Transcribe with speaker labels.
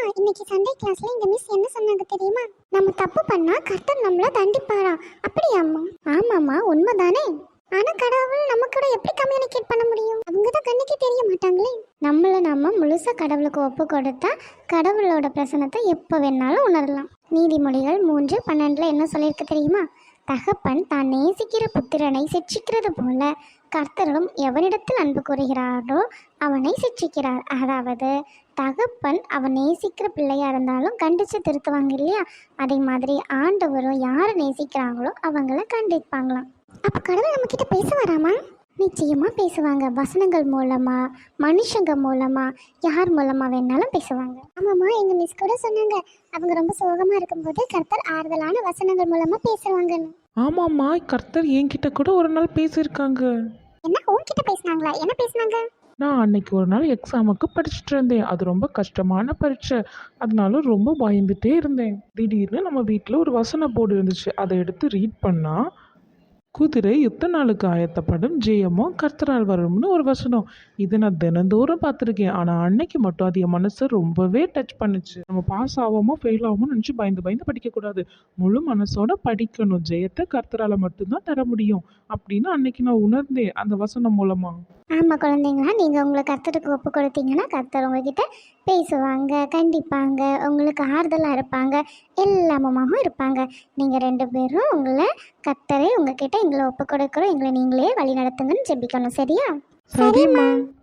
Speaker 1: இன்னைக்கு சண்டே கிளாஸ்ல இந்த மிஸ் என்ன சொன்னாங்க தெரியுமா? நம்ம தப்பு பண்ணா கர்த்தர் நம்மள தண்டிப்பாராம். அப்படியாம்மா? ஆமாம்மா, உண்மைதானே. ஆனா கடவுள் நம்ம கூட எப்படி கம்யூனிகேட் பண்ண முடியும்? அவங்க தான் கண்ணுக்கே தெரிய மாட்டாங்களே. நம்ம முழுசா கடவுளுக்கு ஒப்பு கொடுத்தா கடவுளோட பிரசனத்தை எப்போ வேணாலும் உணரலாம். நீதிமொழிகள் 3:12 என்ன சொல்லியிருக்கு தெரியுமா? தகப்பன் தான் நேசிக்கிற புத்திரனை சிட்சிக்கிறது போல கர்த்தரும் எவனிடத்தில் அன்பு கூறுகிறாரோ அவனை சிட்சிக்கிறார். அதாவது தகப்பன் அவன் நேசிக்கிற பிள்ளையா இருந்தாலும் கண்டிச்சு திருத்துவாங்க இல்லையா? அதே மாதிரி ஆண்டவரும் யாரை நேசிக்கிறாங்களோ அவங்கள கண்டிப்பாங்களாம். அப்போ கடவுள் நம்ம கிட்ட பேச வராமா? நிச்சயமா பேசுவாங்க. வசனங்கள் மூலமா, மனுஷங்க மூலமா, யார் மூலமா வேணாலும் பேசுவாங்க. ஆமாம்மா, எங்க மிஸ் கூட சொன்னாங்க அவங்க ரொம்ப சோகமா இருக்கும்போது கர்த்தர் ஆறுதலான வசனங்கள் மூலமா பேசுவாங்கன்னு.
Speaker 2: ஆமாம்மா, கர்த்தர் என்கிட்ட கூட ஒரு நாள் பேசியிருக்காங்க.
Speaker 1: என்ன உன்கிட்ட பேசினாங்களா? என்ன பேசினாங்க?
Speaker 2: நான் அன்னைக்கு ஒரு நாள் எக்ஸாமுக்கு படிச்சுட்டு இருந்தேன். அது ரொம்ப கஷ்டமான பரீட்சை. அதனால ரொம்ப பயந்துட்டே இருந்தேன். திடீர்னு நம்ம வீட்டில் ஒரு வசன போர்டு இருந்துச்சு. அதை எடுத்து ரீட் பண்ணா, குதிரை யுத்த நாளுக்கு ஆயத்தப்படும், ஜெயமோ கர்த்தரால் வரும்னு ஒரு வசனம். இதை நான் தினந்தோறும் பார்த்துருக்கேன். ஆனால் அன்னைக்கு மட்டும் அது என் மனசை ரொம்பவே டச் பண்ணுச்சு. நம்ம பாஸ் ஆகாமோ ஃபெயில் ஆகாமோ நினச்சி பயந்து பயந்து படிக்கக்கூடாது. முழு மனசோட படிக்கணும். ஜெயத்தை கர்த்தரால் மட்டும்தான் தர முடியும் அப்படின்னு அன்னைக்கு நான் உணர்ந்தேன் அந்த வசனம் மூலமா.
Speaker 1: ஆமாம் குழந்தைங்களா, நீங்கள் உங்களை கர்த்தருக்கு ஒப்பு கொடுத்தீங்கன்னா கர்த்தர் உங்ககிட்ட பேசுவாங்க, கண்டிப்பாங்க, உங்களுக்கு ஆறுதலாக இருப்பாங்க, எல்லாமுமாகவும் இருப்பாங்க. நீங்கள் 2 பேரும் உங்களை கர்த்தரை உங்ககிட்ட எங்களை ஒப்பு கொடுக்குறோம், எங்களை நீங்களே வழி நடத்துங்கன்னு ஜெபிக்கணும். சரியா?
Speaker 2: சரிம்மா.